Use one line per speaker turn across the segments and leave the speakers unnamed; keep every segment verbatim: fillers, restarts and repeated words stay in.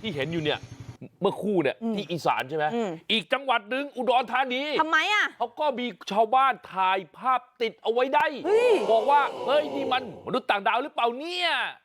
ที่เห็นอยู่เนี่ยเมื่อคู่เนี่ยที่อีสานใช่ไหมอีกจังหวัดหนึ่งอุดรธานี
ทำไมอ่ะ
เขาก็มีชาวบ้านถ่ายภาพติดเอาไว้ได้บอกว่าเฮ้ยนี่มันมนุษย์ต่างดาวหรือเปล่าเนี่ย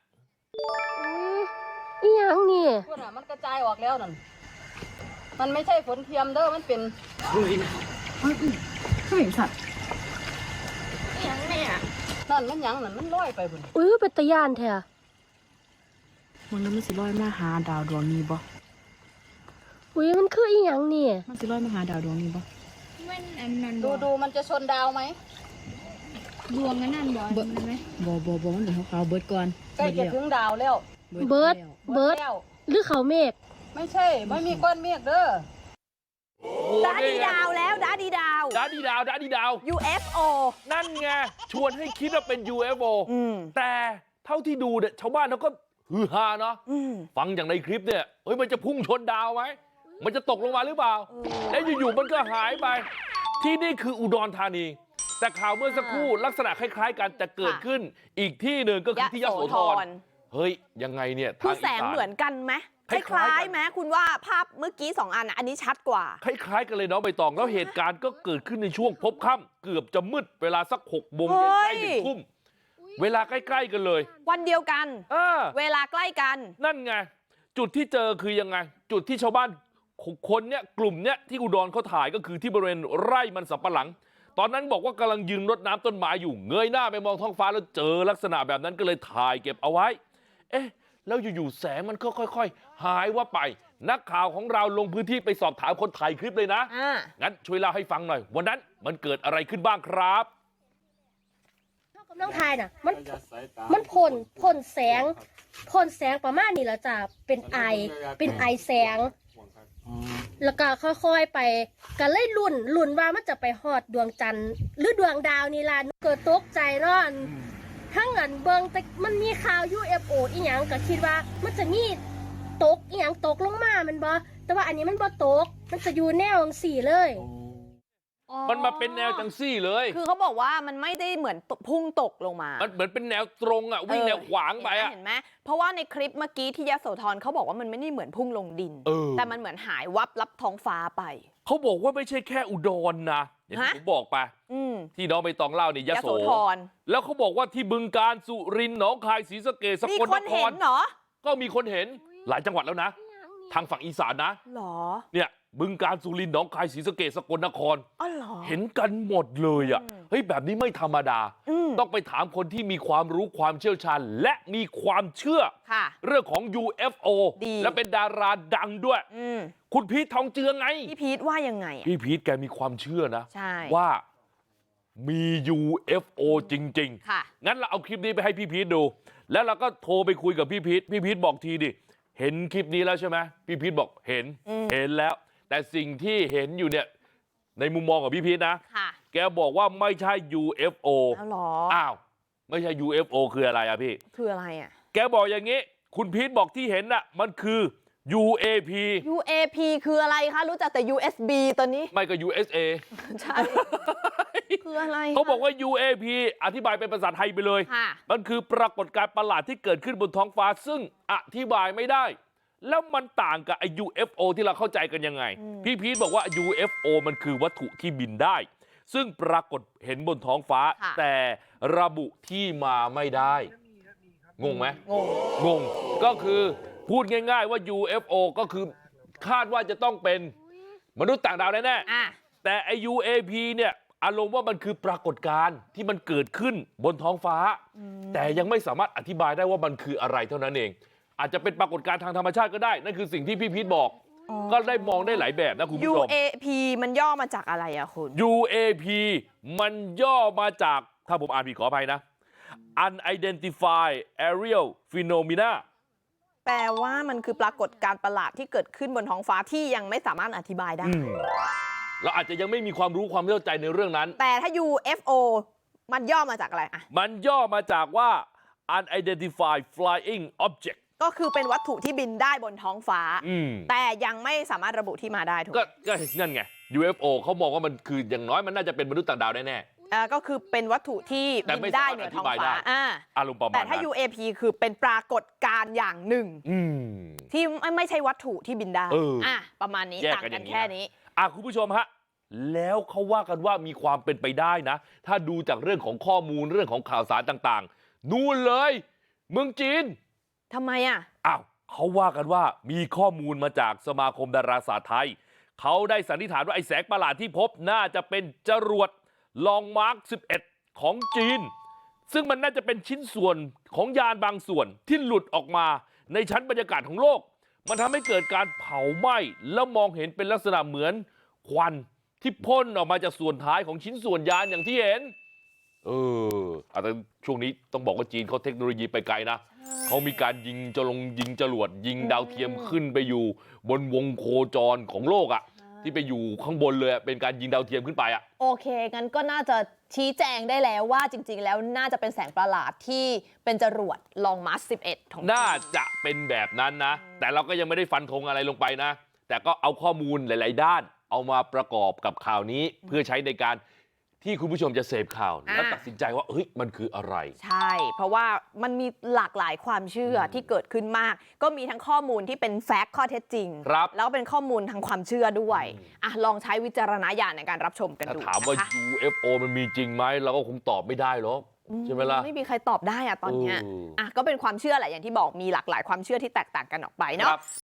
อีหยังนี่
พวกน่ะมันกระจายออกแล้วนั่นมันไม่ใช่ฝนเทียมเด้อมันเป็นลุยนะไม่เห็นสัตว์อีหยังเนี่ยนั่นมันหยังนั่นมันลอยไปพุ่น
อุ้ยเป็นตะยานแท้
มันนั้นมันสิลอยมาหาดาวดวงนี้บ่
อุ้ยมันคืออีหยังนี่
มันสิลอยมาหาดาวดวงนี้บ่มันอันนั้นดูดูมันจะชนดาวไหม
ดวงกันนั่นบ่เบิดไหม
บ่บ่บ่มันเดี๋ยวเขาเบิดก่อนใกล้จะถึงดาวแล้ว
เบิดเบิดหรือเขาเมฆ
ไม่ใช่ไม่มีก้อนเมฆเด้อ
ดาดีดาวแล้วดาดีดาว
ดาดีดาวดาดีดาว
ยู เอฟ โอ
นั่นไงชวนให้คิดว่าเป็น ยู เอฟ โอ แต่เท่าที่ดูเนี่ยชาวบ้านเขาก็ฮือฮาเนาะฟังอย่างในคลิปเนี่ยเฮ้ยมันจะพุ่งชนดาวไหมมันจะตกลงมาหรือเปล่าแล้วอยู่ๆมันก็หายไปที่นี่คืออุดรธานีแต่ข่าวเมื่อสักครู่ลักษณะคล้ายๆกันจะเกิดขึ้นอีกที่หนึ่งก็คือที่ยโสธรเฮ้ยยังไงเนี่ย
คือแสงเหมือนกันไหมคล้ายๆไหมคุณว่าภาพเมื่อกี้สองอันอันนี้ชัดกว่า
คล้ายๆกันเลยน้องใบตองแล้วเหตุการณ์ก็เกิดขึ้นในช่วงพบค่ำเกือบจะมืดเวลาสักหกโมงเย็นใกล้หนึ่งทุ่มเวลาใกล้ๆกันเลย
วันเดียวกันเวลาใกล้กัน
นั่นไงจุดที่เจอคือยังไงจุดที่ชาวบ้านคนเนี้ยกลุ่มเนี้ยที่อุดรเขาถ่ายก็คือที่บริเวณไร่มันสำปะหลังตอนนั้นบอกว่ากำลังยืนรดน้ำต้นไม้อยู่เงยหน้าไปมองท้องฟ้าแล้วเจอลักษณะแบบนั้นก็เลยถ่ายเก็บเอาไว้เอ๊ะแล้วอยู่ๆแสงมันก็ค่อยๆหายว่าไปนักข่าวของเราลงพื้นที่ไปสอบถามคนถ่ายคลิปเลยนะงั้นช่วยเล่าให้ฟังหน่อยวันนั้นมันเกิดอะไรขึ้นบ้างครับ
กำลังถ่ายน่ะมันมันพ่นพ่นแสงพ่นแสงประมาณนี้แล้วจ้ะเป็นไอเป็นไอแสงแล้วก็ค่อยๆไปก็เลยลุ่นลุ่นว่ามันจะไปฮอดดวงจันทร์หรือดวงดาวนี่ล่ะเกิดตกใจเนาะทั้งอันเบิงแต่มันมีข่าว ยู เอฟ โอ อีหยังก็คิดว่ามันจะมีตกอีหยังตกลงมามันบ่แต่ว่าอันนี้มันบ่ตกมันจะอยู่แนวจังซี่เลย
มันมาเป็นแนวจังซี่เลย
คือเขาบอกว่ามันไม่ได้เหมือนพุ่งตกลงมา
มันเหมือนเป็นแนวตรงอ่ะวิ่งแนวขวางไปอ่ะ
เห็นไหมเพราะว่าในคลิปเมื่อกี้ที่ยโสธรเขาบอกว่ามันไม่ได้เหมือนพุ่งลงดินแต่มันเหมือนหายวับลับท้องฟ้าไป
เขาบอกว่าไม่ใช่แค่อุดรนะอย่างที่ผมบอกไปที่น้องใบตองเล่าเนี่ยยโสธรแล้วเขาบอกว่าที่บึงกาฬสุรินทร์หนองคายศรีสะเกษสกลนครก็มีคนเห็นหลายจังหวัดแล้วนะทางฝั่งอีสานนะ
หรอ
เนี่ยบึงกาฬสุรินทร์หนองคายศรีสะเกษสกลนครเห็นกันหมดเลยอ่ะเฮ้ยแบบนี้ไม่ธรรมดาต้องไปถามคนที่มีความรู้ความเชี่ยวชาญและมีความเชื่อเรื่องของ ยู เอฟ โอ และเป็นดาราดังด้วยคุณพีททองเจือไง
พี่พีทว่ายังไง
พี่พีทแกมีความเชื่อนะว่ามี ยู เอฟ โอ จริงๆงั้นเราเอาคลิปนี้ไปให้พี่พีทดูแล้วเราก็โทรไปคุยกับพี่พีทพี่พีทบอกทีดิเห็นคลิปนี้แล้วใช่ไหมพี่พีทบอกเห็นเห็นแล้วแต่สิ่งที่เห็นอยู่เนี่ยในมุมมองของพี่พีทนะแกบอกว่าไม่ใช่ ยู เอฟ โอ อ้าวไม่ใช่ ยู เอฟ โอ คืออะไรอะพี่
คืออะไรอะ
แกบอกอย่างนี้คุณพีทบอกที่เห็นน่ะมันคือ ยู เอ พี
ยู เอ พี คืออะไรคะรู้จักแต่ ยู เอส บี ตอนนี้
ไม่ก็ ยู เอส เอ
ใช่คืออะไร
เขาบอกว่า ยู เอ พี อธิบายเป็นภาษาไทยไปเลยมันคือปรากฏการณ์ประหลาดที่เกิดขึ้นบนท้องฟ้าซึ่งอธิบายไม่ได้แล้วมันต่างกับไอ้ ยู เอฟ โอ ที่เราเข้าใจกันยังไงพี่พีทบอกว่า ยู เอฟ โอ มันคือวัตถุที่บินได้ซึ่งปรากฏเห็นบนท้องฟ้าแต่ระบุที่มาไม่ได้งงไหม
งง
งงก็คือพูดง่ายๆว่า ยู เอฟ โอ ก็คือคาดว่าจะต้องเป็นมนุษย์ต่างดาวแน่ๆแต่ไอ้ ยู เอ พี เนี่ยอารมณ์ว่ามันคือปรากฏการณ์ที่มันเกิดขึ้นบนท้องฟ้าแต่ยังไม่สามารถอธิบายได้ว่ามันคืออะไรเท่านั้นเองอาจจะเป็นปรากฏการณ์ทางธรรมชาติก็ได้นั่นคือสิ่งที่พี่พีทบอกก็ได้มองได้หลายแบบนะคุณผู้ชม
ยู เอ พี มันย่อมาจากอะไรอะคุณ
ยู เอ พี มันย่อมาจากถ้าผมอ่านผิดขออภัยนะ Unidentified Aerial Phenomena
แปลว่ามันคือปรากฏการณ์ประหลาดที่เกิดขึ้นบนท้องฟ้าที่ยังไม่สามารถอธิบายได้
เราอาจจะยังไม่มีความรู้ความเข้าใจในเรื่องนั้น
แต่ถ้า ยู เอฟ โอ มันย่อมาจากอะไรอะ
มันย่อมาจากว่า Unidentified Flying Object
ก็คือเป็นวัตถุที่บินได้บนท้องฟ้าแต่ยังไม่สามารถระบุที่มาได้ถูก
ก็ก็นั่นไง ยู เอฟ โอ เขามองว่ามันคืออย่างน้อยมันน่าจะเป็นมนุษย์ต่างดาวแน่
อ่าก็คือเป็นวัตถุที่
แต่
บิ
ไม่
นได้
สามารถ
เหนือ
อธิ
ท้อง
บาย
ฟ้า
ได้
อ่า
อารมณ์ประมาณ
แต่
นั้น
ถ้า ยู เอ พี คือเป็นปรากฏการณ์อย่างหนึ่ง
อืม
ที่ไม่ไม่ใช่วัตถุที่บินได้
เอออ่
อ่ะประมาณนี้
แยก
ต่าง
กันอ
กั
ย่าน งนี้
แค่
นะ
นี้
อ่ะคุณผู้ชมฮะแล้วเขาว่ากันว่ามีความเป็นไปได้นะ ถ้าดูจากเรื่องของข้อมูลเรื่องของข่าวสารต่างๆนู่นเลยเมืองจีน
ทำไมอ่ะ
อ้าวเขาว่ากันว่ามีข้อมูลมาจากสมาคมดาราศาสตร์ไทยเขาได้สันนิษฐานว่าไอ้แสงประหลาดที่พบน่าจะเป็นจรวดลองมาร์คสิบเอ็ดของจีน ซึ่งมันน่าจะเป็นชิ้นส่วนของยานบางส่วนที่หลุดออกมาในชั้นบรรยากาศของโลก มันทำให้เกิดการเผาไหม้แล้วมองเห็นเป็นลักษณะเหมือนควันที่พ่นออกมาจากส่วนท้ายของชิ้นส่วนยานอย่างที่เห็น เออแต่ช่วงนี้ต้องบอกว่าจีนเขาเทคโนโลยีไปไกลนะเขามีการยิงจะลงยิงจรวดยิงดาวเทียมขึ้นไปอยู่ บนวงโคจรของโลกอะที่ไปอยู่ข้างบนเลยอะเป็นการยิงดาวเทียมขึ้นไปอะ
โอเค งั้นก็น่าจะชี้แจงได้แล้วว่าจริง ๆ แล้วน่าจะเป็นแสงประหลาดที่เป็นจรวดลองมาร์คสิบเอ็ดของ
น่าจะเป็นแบบนั้นนะ แต่เราก็ยังไม่ได้ฟันธงอะไรลงไปนะ แต่ก็เอาข้อมูลหลาย ๆ ด้าน เอามาประกอบกับข่าวนี้เพื่อใช้ในการที่คุณผู้ชมจะเสพข่าว แล้วตัดสินใจว่าเฮ้ยมันคืออะไร
ใช่ เพราะว่ามันมีหลากหลายความเชื่อที่เกิดขึ้นมาก ก็มีทั้งข้อมูลที่เป็นแฟกต์ข้อเท็จจริง
ครับ
แล้วก็เป็นข้อมูลทางความเชื่อด้วย
อืม
อ่ะลองใช้วิจารณญาณในการรับชมกัน
ถ้า
ดู
ถามว่า
นะคะ
ยู เอฟ โอ มันมีจริงไหมเราก็คงตอบไม่ได้หรอกใช่ไหมล่ะ
ไม่มีใครตอบได้อะตอนเนี้ย
เอออ่
อ่ะก็เป็นความเชื่อแหละอย่างที่บอกมีหลากหลายความเชื่อที่แตกต่างกันออกไปเนาะ
ครับ